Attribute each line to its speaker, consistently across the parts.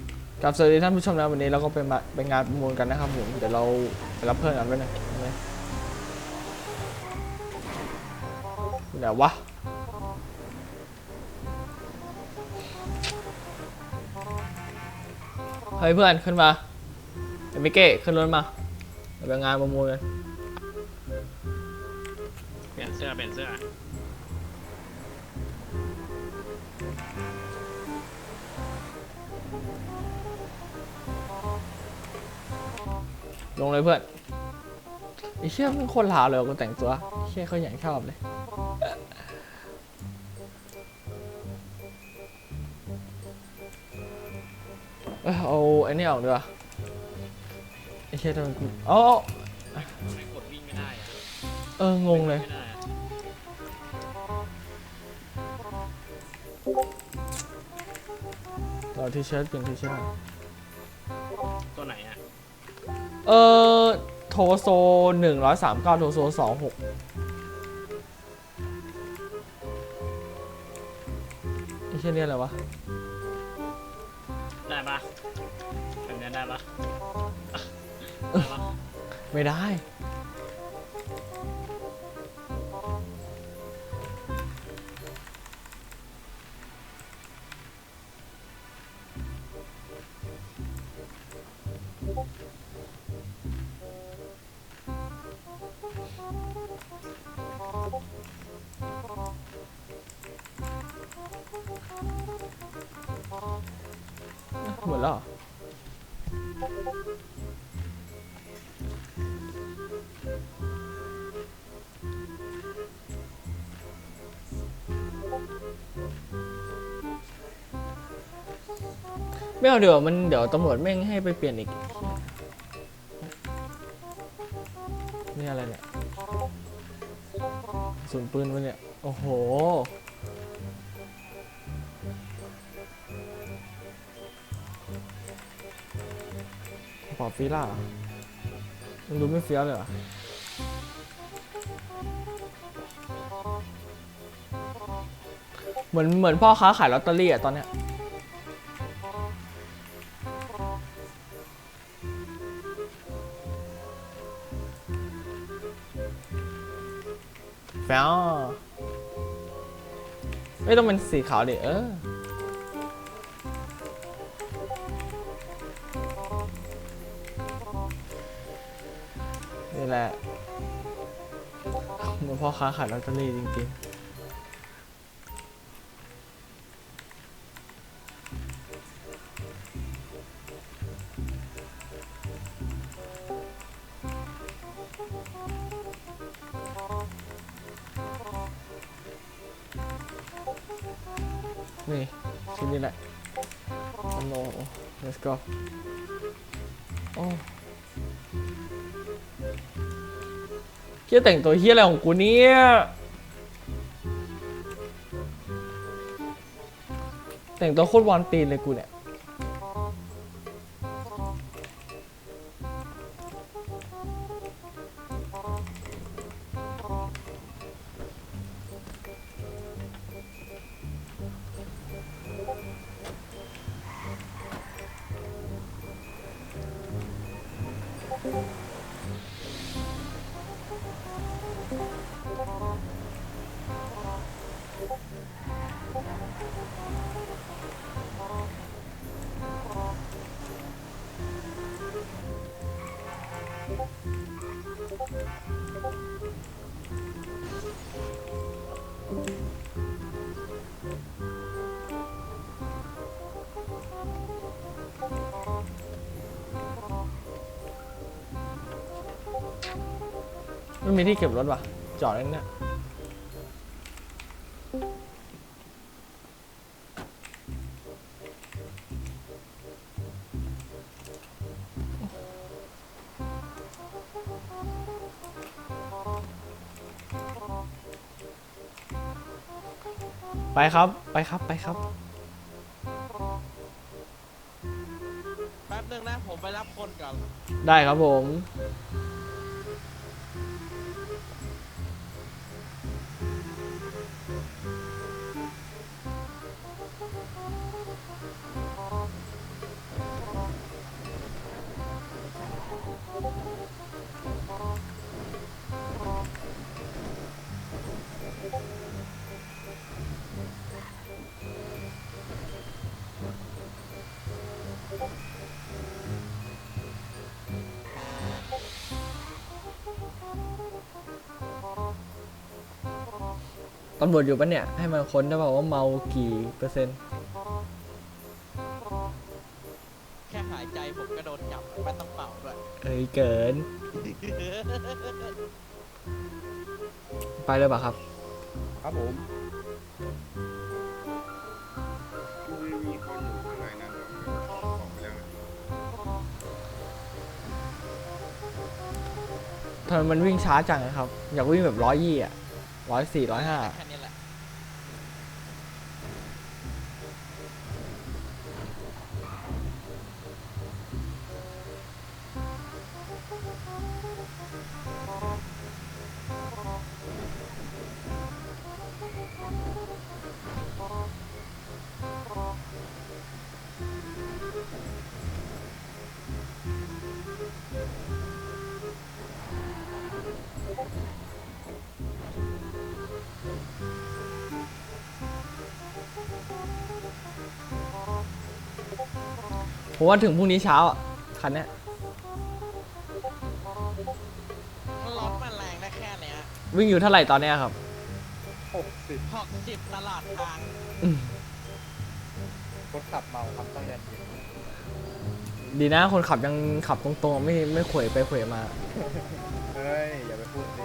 Speaker 1: กับสวัสดีท่านผู้ชมนะวันนี้เราก็ไปงานประมูลกันนะครับผมเดี๋ยวเราไปรับเพื่อนกันด้วยนะเดี๋ยววะเฮ้ยเพื่อนขึ้นมาเดี๋ยวมิเก้ขึ้นรถมาเดี๋ยวไปงานประมูลกัน
Speaker 2: เปลี่ยนเสื้อ
Speaker 1: ลงเลยเพื่อนไอ้เชี่ยมันคนลาวเลยกูแต่งตัวเชี่ยเขาอย่างชอบเลยเอาไอ้นี่ออกดีกว่าไอ้เชี่ยทำไมกู
Speaker 2: ไม่กดวิ่งไม่ได้
Speaker 1: งงเลยเราที่เชิ้ตเป็นที่เชิ้ต
Speaker 2: ตัวไหนอ่ะ
Speaker 1: โทโซ139โทโซ26ไอ้เชี่ยเนี่ยอะไรวะ
Speaker 2: ได้ปะแบบนี้ได้ปะ
Speaker 1: ไม่ได้หมดแล้วไม่เอาเดี๋ยวตำรวจแม่งให้ไปเปลี่ยนอีกนี่อะไรเนี่ยศูนย์ปืนวะเนี่ยโอ้โหปอบฟีล่ามันดูไม่เฟี้ยวเลยเหรอเหมือนพ่อค้าขายลอตเตอรี่อะตอนเนี้ยแฟวไม่ต้องเป็นสีขาวดินี่แหละเหมือนพ่อค้าขายลอตเตอรี่จริงๆนี่ชิ้นนี้แหละโน้ let's go โอ้เฮียแต่งตัวเฮียอะไรของกูเนี่ยแต่งตัวโคตรวอนตีนเลยกูเนี่ยไม่มีที่เก็บรถว่ะจอดไว้เนี่ยไปครับไปครับ
Speaker 3: แป๊บนึงนะผมไปรับคนก่อน
Speaker 1: ได้ครับผมตำรวจอยู่ปะเนี่ย ให้มาค้นได้เปล่าว่าเมากี่เปอร์เซ็นต์
Speaker 3: แค่หายใจผมก็โดนจับไม่ต้องเป่าด้วย
Speaker 1: เอ้ยเกิน ไปเลยป่ะครับ
Speaker 4: ครับผม
Speaker 5: มีคนอยู่ข้างในนั้นออกไปแล้วนะ
Speaker 1: ทำไมมันวิ่งช้าจังอะครับ อยากวิ่งแบบ120อ่ะ104 105
Speaker 3: แค่นี้แหละ
Speaker 1: ผมว่าถึงพรุ่งนี้เช้าอ่ะ คันเนี้ย
Speaker 3: รถมันแรงได้แค่เนี้ย
Speaker 1: วิ่งอยู่เท่าไหร่ตอนเนี้ยครับ
Speaker 3: 60ตลาดทาง
Speaker 4: คนขับเมาครับต้องยันเย็น
Speaker 1: ดีนะคนขับยังขับตรงๆ ไม่เขวไปเขวมา
Speaker 4: เฮ้ย อย่าไปพูดดิ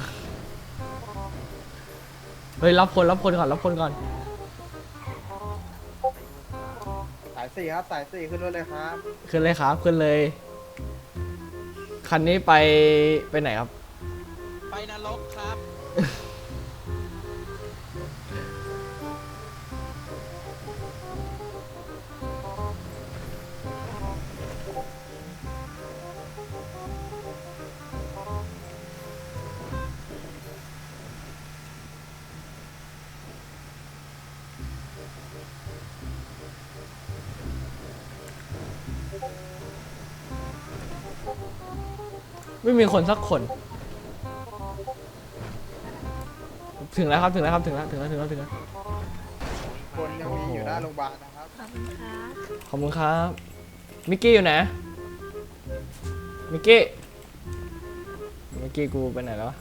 Speaker 1: เฮ้ยรับคนก่อนรับคนก่อน
Speaker 4: สายสี่ครับสายสี่ขึ้นรถเลยครับ
Speaker 1: ขึ้นเลยครับขึ้นเลย คันนี้ไปไหนครับ
Speaker 3: ไปนรกครับ
Speaker 1: ไม่มีคนสักคน ถึงแล้วครับถึงแล้ว
Speaker 4: คนยังมีอยู่หน้าโรงพยาบาลนะครับ
Speaker 1: ขอบคุณครับ มิกกี้อยู่ไหน มิกกี้กูไปไหนแล้ววะ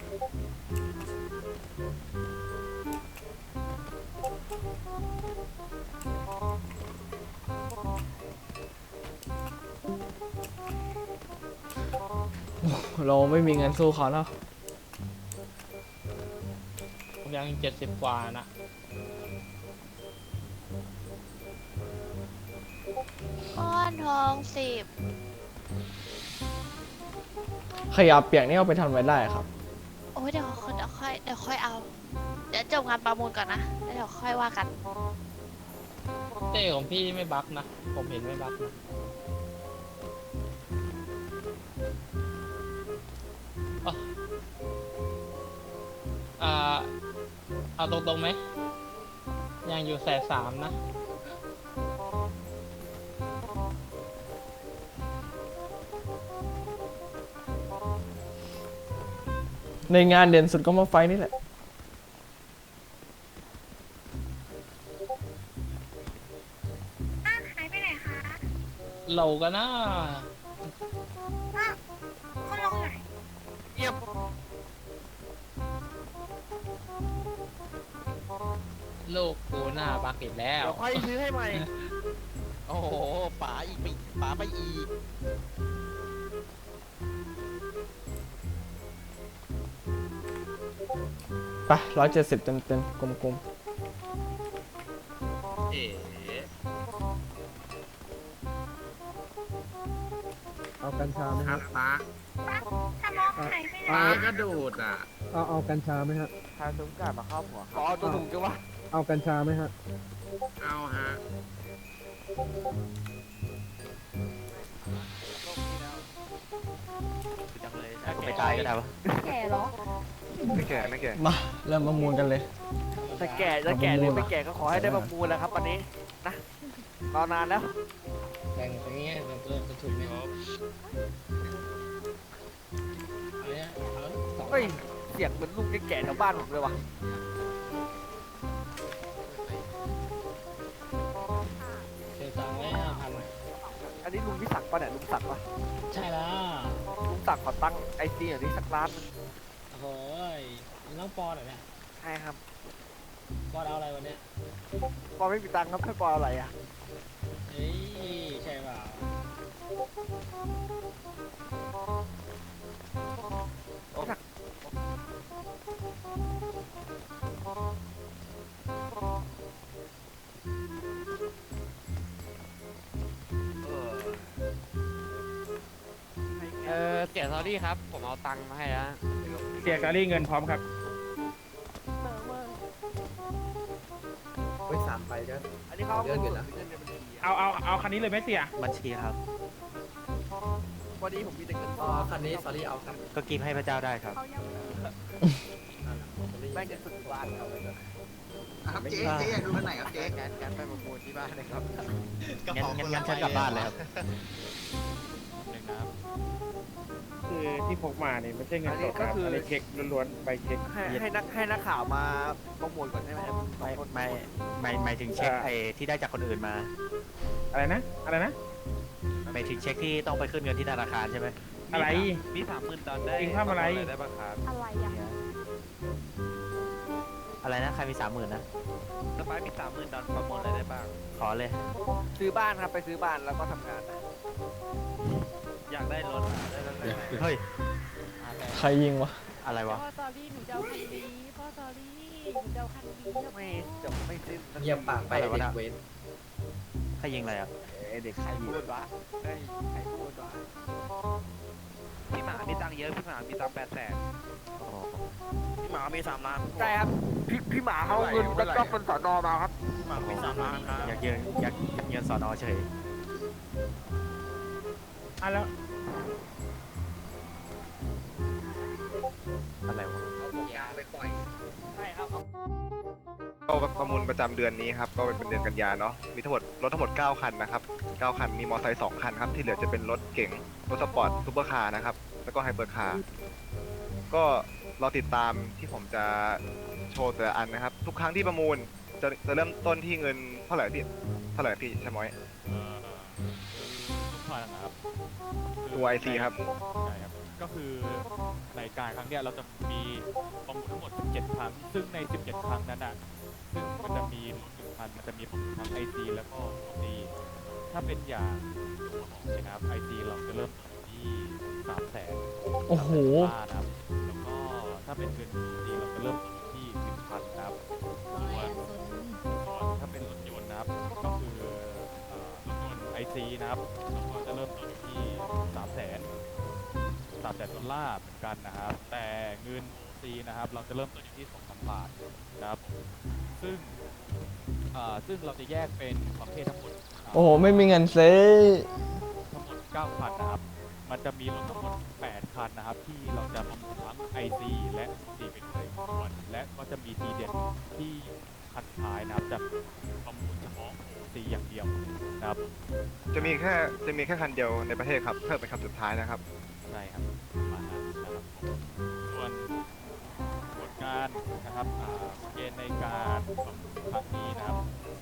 Speaker 1: เราไม่มีเงินสู้เขาเนาะ
Speaker 2: ผมยัง70 กว่านะ
Speaker 6: ก้อนทอง10
Speaker 1: ขยะเปียกนี่เอาไปทำอะไรได้ครับ
Speaker 6: โอ้ยเดี๋ยวค่อยเอา เดี๋ยวจบงานประมูลก่อนนะแล้วเดี๋ยวค่อยว่ากัน
Speaker 2: เต้ของพี่ไม่บั๊กนะ ผมเห็นไม่บั๊กนะอ๋อเอาตรงๆไหม ยังอยู่130,000นะ
Speaker 1: ในงานเด่นสุดก็มาไฟนี่แหละ
Speaker 7: หายไปไหนคะ
Speaker 2: เราก็น่า
Speaker 7: คุณลงไหน
Speaker 2: ลูกกูหน้าบักอีกแล้ว
Speaker 3: เดี๋ยวค่อยซื้อให้ใหม่ โอ้โหป๋าอีกปีป๋าไปอีก
Speaker 1: ไป170เต็มกลม
Speaker 5: เอ๋
Speaker 4: เอากัญชาไหม
Speaker 5: ค
Speaker 4: ค
Speaker 5: รั
Speaker 4: รั
Speaker 5: บบ ป้า
Speaker 7: สมองหายไปไหน
Speaker 5: ป้ากระโดดอ่ะ
Speaker 4: เอากัญชาไหมฮะ
Speaker 3: ทาซุ้มกาดมาครอบหัวขอเอาตัวถุงจังวะ
Speaker 4: เอากัญชาไหมฮะ
Speaker 5: เอาฮะ
Speaker 3: ไม่ตายก็ได้ปะ
Speaker 7: แก่เหรอ
Speaker 3: ไม่แก่ไม่แก่
Speaker 1: ๆ มาเริ่มประมูลกันเลย
Speaker 3: จะแก่จะแก่หรือไม่แก่ก็ขอให้ได้ประมูลแล้วครับวันนี้นะรอนานแล้ว
Speaker 2: แบ่งตรงนี้มันจะถูกไหมครับเอาเนี่ยเอา2
Speaker 3: เฮ้ยเสียงเหมือนลุงแก่ๆแถวบ้านผมเลยว่ะ
Speaker 2: เสียตังค์ไว้5,000
Speaker 3: อันนี้ลุงพิศักดิ์ป่ะเนี่ยลุงศักดิ์ป่ะ
Speaker 2: ใช่แล้ว
Speaker 3: ลุงศักดิ์ขอตั้งไอซีอย่างนี้สักร้านหนึง
Speaker 2: โอ้ยน้องปอหน่อยนะ
Speaker 3: ใช่ครับ
Speaker 2: บอลเอาอะไรวันเนี้ย
Speaker 3: ปอไม่มีตังค์ครับให้ปออะไรอ่ะ
Speaker 2: เฮ้ยใช่เปล่า
Speaker 3: เสียซอรี่ครับ ผมเอาตังค์มาให้แล้ว
Speaker 8: เสียการีเงินพร้อมครับ
Speaker 4: ไป3ใบก็
Speaker 3: อันนี้เขาเอาเงินสดหรือเงินในบัญชีอะ
Speaker 8: เอาคันนี้เลยไหมเสีย
Speaker 9: บัญชีครับ
Speaker 3: วันนี้ผมมีแต่เงินส
Speaker 4: อ๋อ
Speaker 3: ด
Speaker 4: คันนี้ sorry เอาครับ
Speaker 9: ก็กินให้พระเจ้าได้ครับ
Speaker 3: แม่งเงินสดบ้านเขาเลย
Speaker 5: ครับเจ๊อยากดูคันไหนครับเจ๊
Speaker 3: งั้นไปประมูลที่บ้านเลยครับ
Speaker 9: งั้นฉันกลับบ้านเลยครับ
Speaker 8: คือที่พกมาเนี่ยไม่ใช่เงินสดครับอันนี้เช็คล้วนๆใบเช็ค
Speaker 3: ให้นักข่าวมาประมูลก่อนใช่ไหมครับ
Speaker 9: หมายถึงเช็คไอ้ที่ได้จากคนอื่นมา
Speaker 8: อะไรนะ
Speaker 9: หมายถึงเช็คที่ต้องไปขึ้นเงินที่ธนาคารใช่ไหม
Speaker 8: อะไร
Speaker 9: มี30,000 ดอลได้
Speaker 8: เองทำอะไร
Speaker 9: ได้บ้างครับ
Speaker 7: อะไรอ่ะ
Speaker 9: อะไรนะ ใครมี 30,000 นะสปายมี 30,000 ดอลประมูลอะไรได้บ้าง ขอเลย
Speaker 3: ซื้อบ้านครับไปซื้อบ้านแล้วก็ทำงานนะ
Speaker 9: อยากได้รถได้รถเฮ้ย
Speaker 1: ใครยิงวะ
Speaker 9: อะไรวะ
Speaker 7: พ่อตอรี่หนูจะเอาคันนี้พ่อตอรี่หนูจะเอาคันนี้
Speaker 3: ไม่จบไม่สิ้น
Speaker 4: เงียบปากไป
Speaker 9: อะไรวะ
Speaker 4: เด็
Speaker 9: น่ะ
Speaker 4: กเว้น
Speaker 9: ใครยิงอะไรอ่ะ
Speaker 3: เด็กใครพูดวะเฮ้ยใครพูดวะ
Speaker 9: พี่หมามีตังค์เยอะ พี่หมามีตังค์800,000
Speaker 3: พี่หมามี3 ล้านใช่ครับพี่หมาเขาเงินก็ต้องเป็นสอนอมาครับพี่หมามี3 ล้านครับ
Speaker 9: อยากเงินสอนอเฉย
Speaker 8: แล้ว
Speaker 9: อะไรวะ
Speaker 3: ใช่ครับ
Speaker 5: ก็ประมูลประจำเดือนนี้ครับก็เป็นเดือนกันยาเนาะมีทั้งหมดรถทั้งหมด9คันนะครับ9คันมีมอเตอร์ไซค์2คันครับที่เหลือจะเป็นรถเก๋งรถสปอร์ตซูเปอร์คาร์นะครับแล้วก็ไฮเปอร์คาร์ก็รอติดตามที่ผมจะโชว์แต่ละอันนะครับทุกครั้งที่ประมูลจะเริ่มต้นที่เงินเท่าไหร่พี่ชะม้อย
Speaker 10: ผ่านนะครับ
Speaker 5: ตัว IC ครับ
Speaker 10: ใช่ครับ ก็คือในการครั้งเนี้ยเราจะมีประมูลทั้งหมด 17 ครั้ง ซึ่งใน 17 ครั้งนั้นน่ะ ซึ่งมันจะมีรถ1คันมันจะมีประมูลทั้ง IC แล้วก็ OC ถ้าเป็นอย่างนะครับ IC เราจะเริ่มต้นที่ 300,000
Speaker 1: โอ้โห
Speaker 10: นะครับ แล้วก็ถ้าเป็นเงิน OC เราจะเริ่มต้นที่ 1,000 นะครับ ส่วนถ้าเป็นรถยนต์นะครับ ก็คือรถยนต์ IC นะครับเราก็จะเริ่มต้นที่ 300,000 ดอลลาร์เหมือนกันนะครับ แต่เงิน OC นะครับ เราจะเริ่มต้นอยู่ที่ 2,000 บาทนะครับ ซึ่งเราจะแยกเป็นประเภททั้งหมด
Speaker 1: โอ้โห ไม่มีเงินซื้อ
Speaker 10: ทั้งหมด 9 คันนะครับ มันจะมีรถทั้งหมด 8 คันนะครับ ที่เราจะประมูลทั้ง IC และ OC เป็นเลยส่วนและก็จะมีทีเด็ดที่คันสุดท้ายนะครับ จะประมูลเฉพาะ OC อย่างเดียวนะครับ
Speaker 5: จะมีแค่คันเดียวในประเทศครับเพิ่มเป็นคันสุดท้ายนะครับ
Speaker 10: ใช่ครับประมาณนั้นนะครับผมส่วนผลงานนะครับเกณฑ์ในการประมูลครั้งนี้นะครับ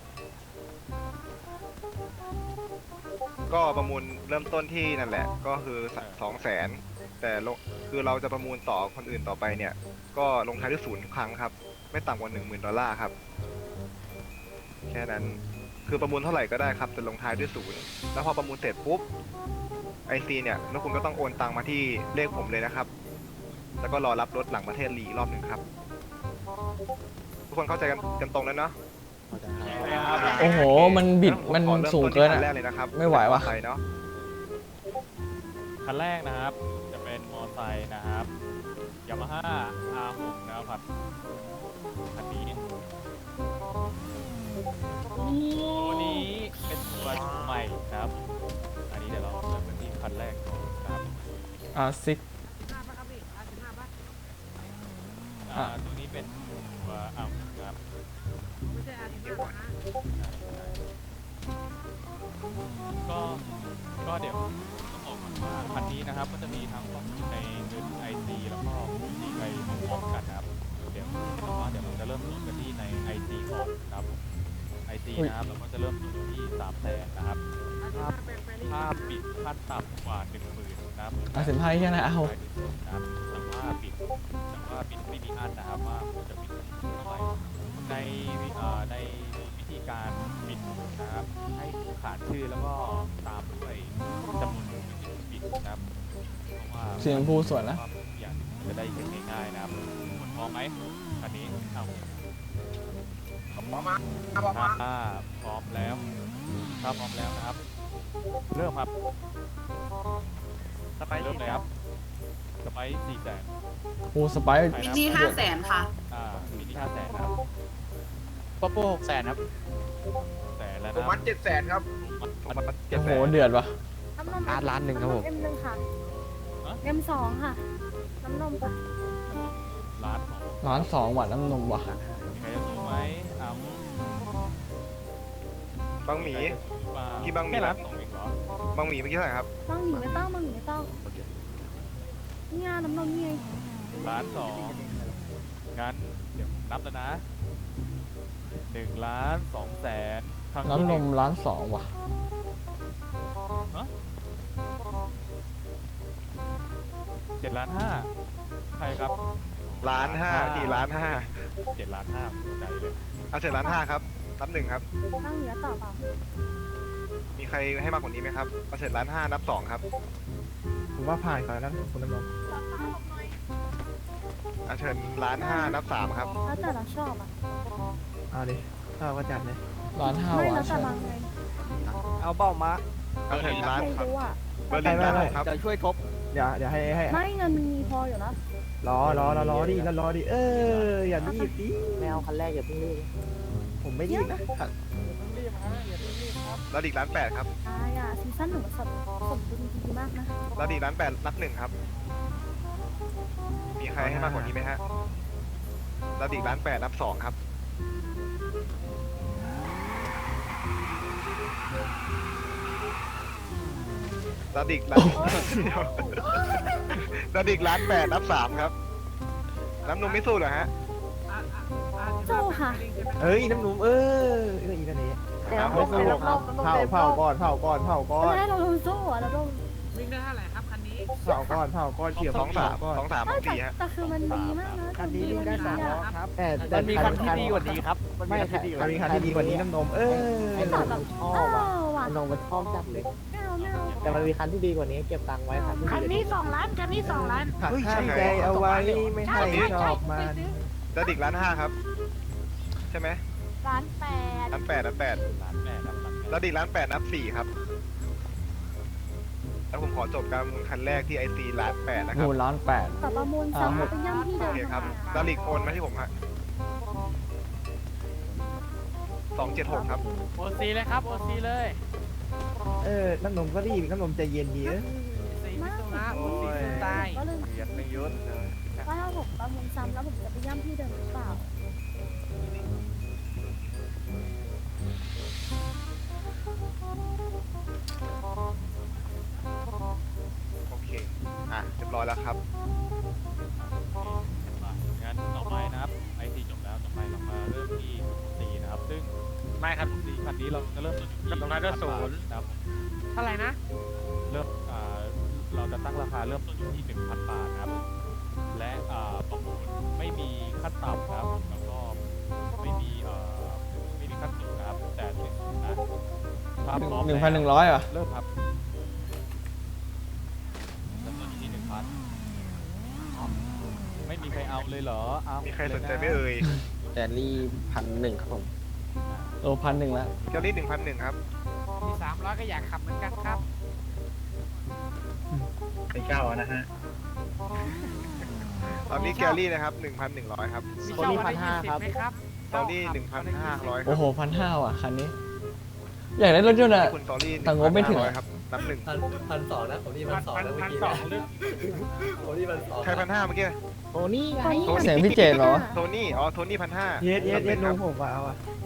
Speaker 5: ก็ประมูลเริ่มต้นที่นั่นแหละก็คือ200,000แต่คือเราจะประมูลต่อคนอื่นต่อไปเนี่ยก็ลงท้ายด้วย0ทุกครั้งครับไม่ต่ำกว่า 10,000 ดอลลาร์ครับแค่นั้นคือประมูลเท่าไหร่ก็ได้ครับจะลงท้ายด้วย0แล้วพอประมูลเสร็จปุ๊บIC เนี่ยแล้วคุณก็ต้องโอนตังมาที่เลขผมเลยนะครับแล้วก็รอรับรถหลังประเทศรีรอบหนึ่งครับทุกคนเข้าใจกันตรงแล้วเนาะ
Speaker 1: โอ้โห มันบิด มัน
Speaker 5: ขอเริ่
Speaker 1: สูง
Speaker 5: ต้น
Speaker 1: เกิน
Speaker 5: ที่คั
Speaker 1: อ่ะ
Speaker 5: แรกเลยนะครับ
Speaker 1: ไม่ไหววะ
Speaker 5: ไปเนาะ
Speaker 10: คันแรกนะครับจะเป็นมอไซค์นะครับยามาฮ่า R6 นะครับคันนี้ตัวนี้เป็นตัวใหม่นะครับ อันนี้เดี๋ยวเราเริ่มกันที่คันแรกก่อนนะครับ
Speaker 1: R6
Speaker 10: ตัวนี้เป็นตัวR6นะครับก็เดี๋ยวต้องบอกก่อนว่าคันนี้นะครับก็จะมีทั้งข้อมูลในเงิน IC แล้วก็ OC ไปพร้อมๆกันนะครับเดี๋ยวเราจะเริ่มต้นกันที่ใน IC ก่อนนะครับ IC นะครับเราก็จะเริ่มต้นที่300,000นะครับถ้าปิดขั้นต่ำกว่า 10,000 นะครับ
Speaker 1: 15แค่นั้นเอา
Speaker 10: นะครับแต่ว่าปิดไม่มีอันนะครับว่าจะปิดเท่าไหร่ในในวิธีการบิดนะครับให้ขานชื่อแล้วก็ตามด้วยจำนวนที่บิดนะครับเพราะว่า
Speaker 1: เสียงพูสวยนะ
Speaker 10: อย่างจะได้เห็นง่ายๆนะครับคุณพร้อมไหมคันนี้เอาถ้าพร้อมแล้วนะครับ เริ่มครับสไปเริ่มเลยครับสไป400,000
Speaker 1: โอ้สไปซ์
Speaker 10: มินิ500,000ค่ะมินิ500,000ครับ
Speaker 2: ป๊อปโป้600,000ครับ
Speaker 10: แสนแล้ว
Speaker 4: ผม
Speaker 10: นะ
Speaker 4: มัด700,000ครับ
Speaker 5: ผมมัน
Speaker 1: โอ้โหเดือดว่ะ
Speaker 7: น้ำนม
Speaker 3: ล้านหนึ่งครับผม
Speaker 7: M1 ค่ะ M2 ค่ะ น้ำนมค่ะ
Speaker 10: ล้านของ
Speaker 1: ร้าน2ว่ะน้ำนมว่ะ
Speaker 10: มีใครจะสู้ไหมอ้ำ
Speaker 5: บางหมี กี่บางหมี
Speaker 10: แค่ล้าน2เองเหรอบ
Speaker 5: างหมีเมื่อกี้เท่าไหร่ครับ
Speaker 7: บางหญิงไม่ต้องนี่ไงน้ำนมนี่ไง
Speaker 10: ล้าน2งั้นเดี๋ยวนับแล้วนะ1,200,000ครั้งที่
Speaker 1: น้ำนมร้าน2ว่ะ
Speaker 10: 7,500,000ใครครับ
Speaker 5: 1,500,000ที่1,500,000
Speaker 10: 7,500,000ใจเลย
Speaker 5: เอา7,500,000ครับนับ 1ครับ
Speaker 7: บางเหนือต่อเปล่า
Speaker 5: มีใครให้มากกว่านี้ไหมครับเอา7,500,000นับ 2ครับ
Speaker 3: ผมว่าผ่านก่อนแล้วคุณน้ำนม
Speaker 5: เอาเชิญ1,500,000นับ 3ครับ
Speaker 7: แล้วแต่เราชอบอ่ะ
Speaker 3: เอาดิถ้าก็จัดเลย
Speaker 1: ร้าน5
Speaker 7: ไม่
Speaker 1: ว่ะ
Speaker 7: แล้วแต่
Speaker 1: ใช่
Speaker 7: บางไง
Speaker 3: เอาเบ้ามา
Speaker 5: เอาเชิญ
Speaker 7: ไม่
Speaker 5: ล้าน
Speaker 7: รู้อ่ะ
Speaker 5: เบอร์ลินล้านหกครับ
Speaker 3: จะช่วยทบเดี๋ยวให้
Speaker 7: ไม่เงินมีพออยู่แล้ว
Speaker 3: รอดิรอดิอย่ารีบดิแมวคันแรกอย่าเพิ่งรีบผมไม่รีบนะ
Speaker 5: แล้วอีก1,800,000ครับ
Speaker 7: ซีซั่นหนึ่งสดดีมากนะ
Speaker 5: แล้วอีก1,800,000นับ 1ครับ มีใครให้มากกว่านี้ไหมฮะแล้วอีก1,800,000นับ 2ครับแล้วอีก1,800,000นับ 3ครับน้ำนมไม่สู้เหรอฮะ
Speaker 7: โจ้ค่ะ
Speaker 3: เอ้ยน้ำหนุ่มอีนั่นเอง
Speaker 7: เดี๋ยว
Speaker 3: ไม่สู้เผาก่อน
Speaker 7: ไม่ได้เราสู้อ่ะเราต้อง
Speaker 4: วิ่งได้เท่าไหร่ครับคันนี้
Speaker 3: เผาก่อนเกี่ยว
Speaker 5: 2-3 2-3 4ฮะ
Speaker 7: แต่คือมันดีมากนะ
Speaker 3: คันนี้วิ่งได้3 ล้อครับแต่
Speaker 8: มันมีคันที่ดีกว่านี้ครับ
Speaker 3: ไม่มีคันที่ดีกว่านี้น้ำนม
Speaker 7: ไม่ตอบแบบว่ะ
Speaker 3: นมมันชอบจัดเลย
Speaker 7: ไม่เอา
Speaker 3: แต่มันมีคันที่ดีกว่านี้เก็บตังค์ไว้คันนี้2 ล้านหักห้ามใจเอาไว้ไม่ให้ชอบมัน
Speaker 5: แล้วอีก1,500,000ครับใช่ไหม
Speaker 7: 1,800,000
Speaker 5: 1,800,000นับ 8
Speaker 10: 1,800,000นับ
Speaker 5: แล้วอีก1,800,000นับ 4ครับแล้วผมขอจบการประมูลคันแรกที่IC 1,800,000นะค
Speaker 1: โอ้
Speaker 5: รับ
Speaker 1: ร้าน8
Speaker 7: แต่ประมูลซ้ำไปย่ำที่เดิ
Speaker 5: โอ
Speaker 7: ม
Speaker 5: เคครับแล้วอีกโอนมาที่ผมฮะ276ครับ
Speaker 2: โอซีเลยครับ โอซีเลย
Speaker 3: น้ำนมก็รีบน้ำนมใจเย็นดี
Speaker 7: มาก
Speaker 5: โอ้ย
Speaker 7: ก็เลย
Speaker 5: เรียนไม่ยุดเลย
Speaker 7: ว่าถ้าผมประมูลซ้ำแล้วผมจะไปย่ำที่เดิมหรือเปล่า
Speaker 5: โอเคเรียบร้อยแล้วครับ
Speaker 10: งั้นต่อไปนะครับไอซีจบแล้วต่อไปเรามาเริ่มที่ซีนะครับซึ่ง
Speaker 2: ไม่ครับ
Speaker 10: ซีคันนี้เราจะเริ่มต้นอยู่ที่
Speaker 2: ตรงนั้นก็
Speaker 10: 1,000
Speaker 2: ศูนย์
Speaker 10: บาทนะครับ
Speaker 2: เท่าไหร่นะ
Speaker 10: เริ่มเราจะตั้งราคาเริ่มต้นอยู่ที่ 1,000 บาทนะครับ และประมูลไม่มีขั้นต่ำนะครับแล้วก็ไม่มีขั้นสูงนะครับแต่เป็นสูงนะถ้าพร้อมแล้ว
Speaker 1: 1,100อ่ะ
Speaker 10: เริ่มครับเริ่มต้นอยู่ที่ 1,000ไม่มีใครเอาเลยเหรอเอา
Speaker 5: มีใครสนใจไหมเอ่ย
Speaker 3: แกลี่1,100ครับผม
Speaker 1: โล1,100แล้ว
Speaker 5: เกลลี่1,100ครับ
Speaker 2: มี300ก็อยากขับเหมือนกันครับ
Speaker 8: เป็นเก้านะฮะ
Speaker 5: ตอนนี้แกลลี่นะครับ 1,100 ครับ
Speaker 2: มีช่องวันละ20ไหมครับ
Speaker 5: ตอรี่1,500 ครั
Speaker 1: โอ้
Speaker 5: บ
Speaker 1: โห1,500ว่ะคันนี้ อยากได้รถยนต์อ่ะ
Speaker 5: คุณตอรี่
Speaker 1: แต่งบไม่ถึง
Speaker 5: 1,500 ครับนับ
Speaker 3: 1,200นะผมนี่1,200นะเมื่อกี้
Speaker 2: 1,200ลึก
Speaker 3: ผมนี่1,200
Speaker 5: 1ใคร1,500เมื่อกี้
Speaker 3: โอ้นี่ไง
Speaker 1: เสียงพี่เจนเหรอ
Speaker 5: โทนี่โทนี่1,500
Speaker 3: เย็ดลุงผมเอา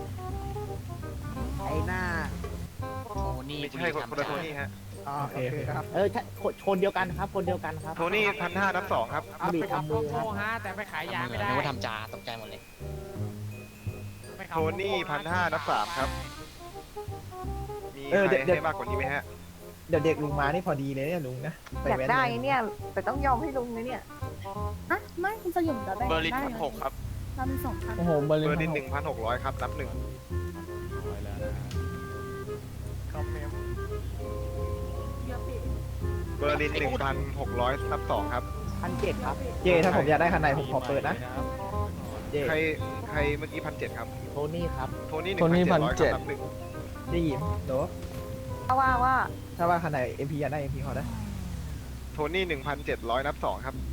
Speaker 3: ไอ้หน้า
Speaker 5: ไม่ใช่คนละโทนี่ฮะ
Speaker 3: โอเคครับใช่คนเดียวกันครับคนเดียวกันครับ
Speaker 5: โทนี่1,500นับ 2 ครับ
Speaker 2: เอาไปขับโกโก้ฮะแต่ไปขายยาไม่ได้
Speaker 9: นึกว่าทำจาตกใจหมดเลย
Speaker 2: ไปขับ
Speaker 5: โท
Speaker 2: โกโก้
Speaker 5: นี่1,500นับ 3 ครับ มีใครให้มากกว่านี้ไหมฮะ
Speaker 3: เดี๋ยวเด็กลุงมานี่พอดีเลยเนี่ยลุงนะอยากได้เนี่ยแต่ต้องยอมให้ลุงนะเนี่ย
Speaker 7: อ่ะไม่คุณสยมจะได้
Speaker 9: เบอร์ลิน
Speaker 7: ได้
Speaker 9: 1,600 ครับ
Speaker 3: โ
Speaker 7: เรามี2,000
Speaker 1: โอ้โหเบอร์
Speaker 5: เบอร์
Speaker 1: ลิ
Speaker 5: ลิ
Speaker 1: น
Speaker 5: น 1,600 ครับนับหนึ่ง
Speaker 10: ร้อยแล้วนะ
Speaker 3: คอมเมนต์
Speaker 7: เยอะปี
Speaker 5: เบอร์ลิน 1,600 นับสองครับ
Speaker 8: 1,700 ครับ
Speaker 1: เจถ้าผมอยากได้คันไหนผมขอเปิดนะ เจ
Speaker 5: ใครเมื่อกี้1,700 ครับ
Speaker 8: โทนี่ครับ
Speaker 5: โทนี่
Speaker 1: โทนี่
Speaker 5: 1,700 ครับ
Speaker 1: 1,700
Speaker 5: นับหนึ่ง
Speaker 1: ได้ยินโด
Speaker 7: ว่า
Speaker 1: ถ้าว่าคันไหน MP อยากได้ MP ขอได้
Speaker 5: โทนี่ 1,700 นับสองครับ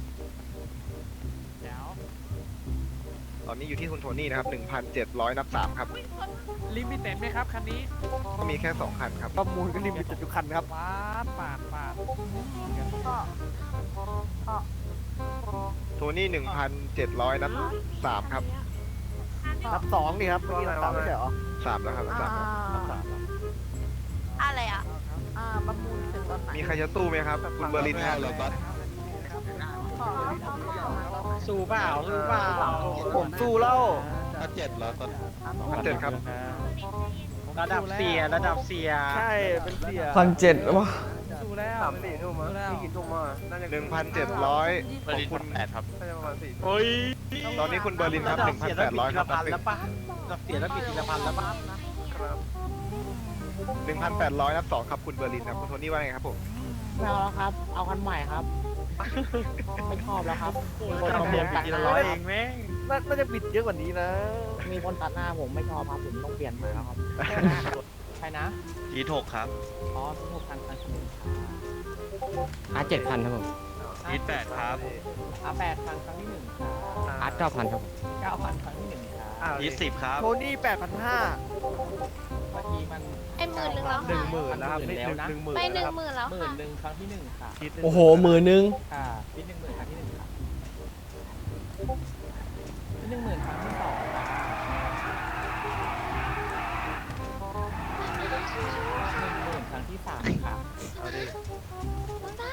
Speaker 5: ตอนนี้อยู่ที่คุณโทนี่นะครับ 1,700 นับสามครับ
Speaker 4: ลิมิเต็ดไหมครับคันนี้
Speaker 5: มีแค่2คันครับ
Speaker 3: ประมูลก็ลิมิตจุดคันครับ
Speaker 4: ปาด
Speaker 7: ก็
Speaker 5: โทนี่ 1,700 นับสามครับ
Speaker 3: นับ2นี่ครับเมื่อกี้นับ3ไม่ใช่เหรอ
Speaker 5: สามแล้วครับนับสามครับ
Speaker 6: อะไรอ่ะ
Speaker 7: ประมูลเสร็จตอนไหน
Speaker 5: มีใครจะตู้ไหมครับ คุณเบอร์ลินครับ
Speaker 7: ขอ
Speaker 2: สู้เปล่าสู้เปล่า
Speaker 3: ผมสู้แล้ว
Speaker 5: 1,700 ครับ
Speaker 2: ระดับเสียระดับเสีย
Speaker 3: ใช่เป็นเสีย
Speaker 1: 1,700วะ
Speaker 4: สู้แล้ว
Speaker 3: 3-4 ทุ่มมั้งพี่กินทุ่มมาน่าจะ
Speaker 5: 1,700 ของคุณ
Speaker 3: น่าจะประมาณ4
Speaker 2: โอ้ย
Speaker 5: ตอนนี้คุณเบอร์ลินครับ 1,800 ครับ
Speaker 2: พันแล้วปะระดับเสียแล้วปิดทีละพันแล้วปะ
Speaker 3: ครับ
Speaker 5: 1,800 นับสองครับคุณเบอร์ลินครับ คุณโทนี่ว่าไงครับผม
Speaker 8: ไม่เอาแล้วครับ เอาคันใหม่ครับ ไม่ชอบแล้วครับ มีคน
Speaker 2: เรา
Speaker 8: มา
Speaker 2: เปลี่ยน
Speaker 8: ตั
Speaker 2: ที
Speaker 8: ดห
Speaker 2: ละ
Speaker 8: น้า
Speaker 2: ร้อยเองแม่ง
Speaker 3: น่าจะบิดเยอะกว่านี้นะ
Speaker 8: มีคนตัดหน้าผมไม่ชอบครับผมต้องเปลี่ยนใหม่แล้วครับ ใช่นะ
Speaker 9: G6 ครับ
Speaker 8: อ๋อทุกคันคันที่หนึ่ง
Speaker 1: 7,000ครับผม
Speaker 9: G8 ครับ
Speaker 8: 8,000ครั้งที่หนึ่งครับ
Speaker 1: 9,000ครับ
Speaker 8: 9,000ครั้งที่หนึ่งครับ
Speaker 9: G10 ครับ
Speaker 3: โทนี่ 8,500
Speaker 8: เมื่อกี้มัน
Speaker 6: ไอ้10,000แล้วค่ะ
Speaker 3: 10,000แล้วครับนี่
Speaker 8: แล้วนะ
Speaker 3: 10,000
Speaker 6: ไป
Speaker 3: แล้วครับ
Speaker 6: 10,000แล้ว
Speaker 8: หมื่
Speaker 6: ค่ะ
Speaker 8: นหนึ่งครั้งที่หนึ่งค่ะ
Speaker 1: โอ้โห10,000
Speaker 8: ค่ะที่10,000ครั้งที่หนึ่งค่ะที่10,000ครั้งที่สองค่ะ10,000ครั้งที่สามค่ะ
Speaker 3: เอาดิ
Speaker 6: ต้องได้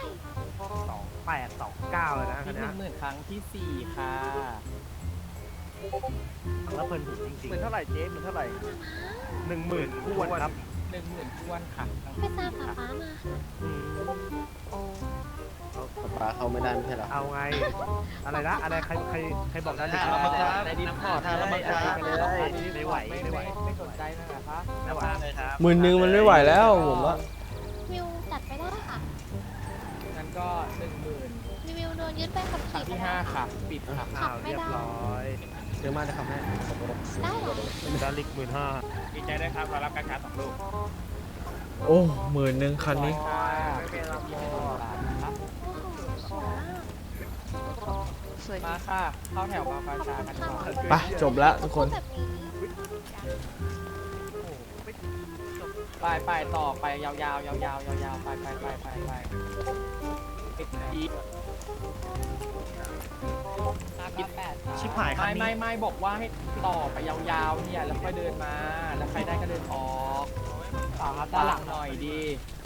Speaker 3: 2829เลยนะคัน
Speaker 8: ที่
Speaker 3: เนี้ย
Speaker 8: 10,000ครั้งที่สี่ค่ะ
Speaker 3: แล้วเพลินหูจริงๆ10,000เท่าไหร่เจ๊10,000เท่าไหร่ 10,000ทวนครับ
Speaker 8: 10,000ท้วนค่ะครั้ง
Speaker 6: ไป
Speaker 8: ที่
Speaker 6: ตาม
Speaker 8: สี่
Speaker 6: ป๊า
Speaker 8: ค่ะ
Speaker 6: ป๊ามา
Speaker 1: ปลาเข้าไม่ได้ไม่ใช่หรอ
Speaker 3: เอาไง อะไรนะ อะไรใครบอกนั้นดิ
Speaker 8: ในดิสคอร์ด
Speaker 2: แล้วมันจะ
Speaker 3: ไม่ไหว
Speaker 8: ไม่สนใจนะนะคะ
Speaker 3: ไม่ไหว
Speaker 2: เลยครับ
Speaker 1: 10,000มันไม่ไหวแล้วผมว่า
Speaker 6: วิวจัดไปได้ค่ะ
Speaker 8: งั้นก็10,000
Speaker 6: รีวิวโดนยึดไปขับ
Speaker 8: ครั้
Speaker 6: ขี่
Speaker 8: ง
Speaker 6: ไป
Speaker 8: ที่
Speaker 6: แล้ว
Speaker 8: 5ค่ะ ปิดค่ะ
Speaker 3: อ้าวเรียบร้อย
Speaker 1: เดี๋ยวมาจะทำให้
Speaker 6: ได้เหรอ
Speaker 3: ดาริก15,000
Speaker 2: ดีใจด้วยครับเรารับการ2ลูก
Speaker 1: โอ้10,000คันนี้
Speaker 8: ค่ะ
Speaker 3: ไม่เป็นไรหมด
Speaker 8: ครับ
Speaker 6: โอ้โหสวยมากสวย
Speaker 8: มาค่ะ เข้าแถวมาประชากันก่อน
Speaker 1: ไปจบแล้วทุกคน
Speaker 6: แบบนี้
Speaker 8: ไปต่อไปยาวๆยาวๆไปปิดอีก
Speaker 3: ชิบหายคันนี้
Speaker 8: ไม่บอกว่าให้ต่อไปยาวๆเนี่ยแล้วค่อยเดินมา แล้วใครได้ก็เดินออกด้านหลังหน่อยดี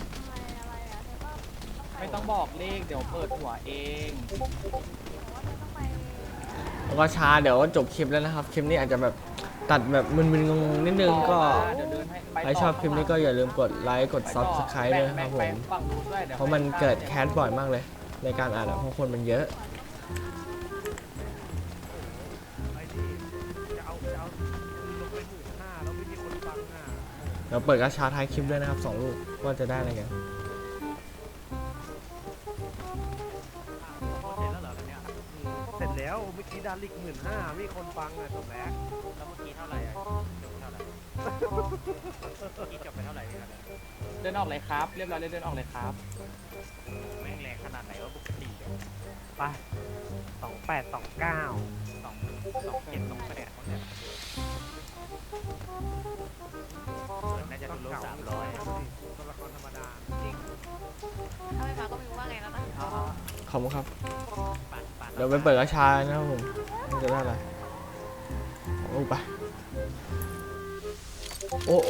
Speaker 8: ไม่ต้องบอกเลขเดี๋ยวเปิดหัวเอง
Speaker 1: แล้วก็ช้าเดี๋ยวก็จบคลิปแล้วนะครับ คลิปนี้อาจจะแบบตัดแบบมึนๆงงๆนิดนึงก็
Speaker 8: เดี๋ยวเดินให้ไป
Speaker 1: ใครชอบคลิปนี้ก็อย่าลืมกดไลค์กด Subscribe ด้วยนะครับผม
Speaker 8: ฝั่งนู้นด้วยดี๋ยว
Speaker 1: เพราะมันเกิดแคสบ่อยมากเลย ในการอ่านเพราะคนมันเยอะ
Speaker 3: ไอ้นี่จะเอาลงไป15,000แล้วไม่มีคนฟังอ่ะ
Speaker 1: เดี๋ยวเปิดกระชาท้ายคลิปด้วยนะครับ2 ลูกว่าจะได้อะไรกัน
Speaker 3: เสร็จแล้วเมื่อกี้ดาริก15,000มีคนฟังอ่ะจบแล้ว
Speaker 2: แล้วเมื่อกี้เท่าไหร่อ่ะจบเท่าไหร่นี่จบไปเท่าไหร่เนี่ย
Speaker 8: เดินออกเลยครับ เรียบร้อยเลยเดินออกเลยครับ
Speaker 2: แม่งแรงขนาดไหนว่าปกติเนี่ย
Speaker 3: ไป2829
Speaker 2: 27 28เนี่ยน่าจะโดน300
Speaker 3: ตัวละครธรรมดาจริง
Speaker 6: ถ้าไม่มาก็ไม่รู้ว่าไงแล้วนะ
Speaker 1: ขอบคุณครับ เดี๋ยวไปเปิดกระชานะครับผมมันจะได้อะไรโอ้ไปโอ้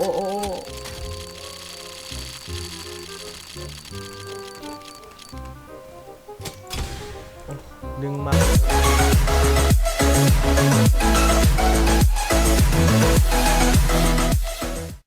Speaker 1: ดึงมา